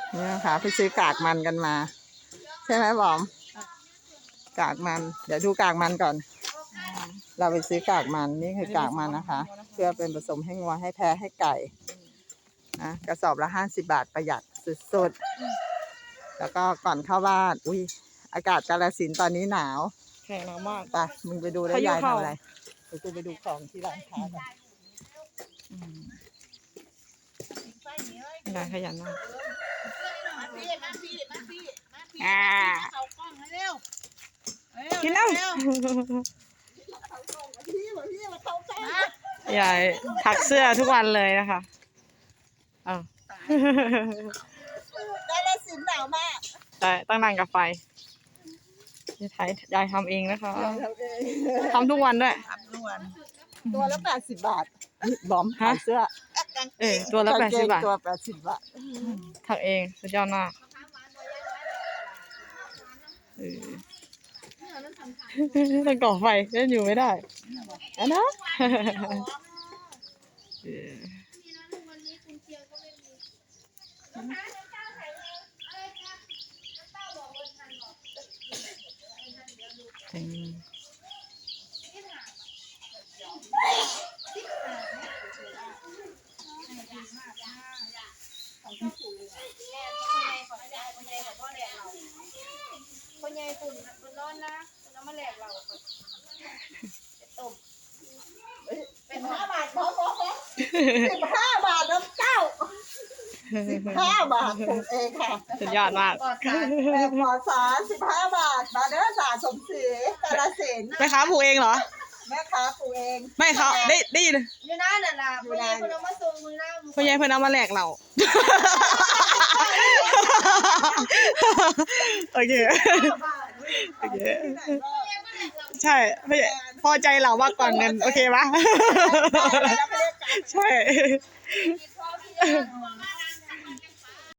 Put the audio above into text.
นี่นะคะไปซื้อกากมันกันมาใช่ไหมบอมกากมันเดี๋ยวดูกากมันก่อนเราไปซื้อกากมันนี่คือกากมันนะคะเพื่อเป็นผสมให้งัวให้แพะให้ไก่นะกระสอบละ50 บาทประหยัดสุดๆแล้วก็ก่อนเข้าบ้านอุ้ยอากาศกาฬสินธุ์ตอนนี้หนาวแข็งหนาวมากไปมึงไปดูได้ยายทำอะไรเดี๋ยวกูไปดูของที่ร้านค้ากันยายขยันมากกินแล้วยายถักเสื้อทุกวันเลยนะคะอ้าวกาฬสินธุ์หนาวมากแต่ตั้งนานกับไฟยายทำเองนะคะทำทุกวันด้วยตัวละ80 บาทบอมขายเสื้อตัวละ80 บาทตัว80 บาทถักเองสุดยอดมากต้องก่อไฟเล่นอยู่ไม่ได้อันนะคนใหญ่ฝุ่นร้อนนะคุณเอามาแหลกเราต้มเป็น5 บาทบอม15 บาทน้ำเจ้า15 บาทถูกเองค่ะสุดยอดมากแบบหมอสาร15 บาทมาเด้อสาสมศรีกาฬสินธุ์แม่ค้าผูกเองเหรอแม่ค้าปลูกเองไม่เขาได้ยินอยู่นั่นน่ะคนใหญ่คนเอามาส่งมือหน้าพ่อใหญ่เพิ่นเอามาแหลกเราโอเคใช่พอใจเรามากกว่าเงินโอเคปะใช่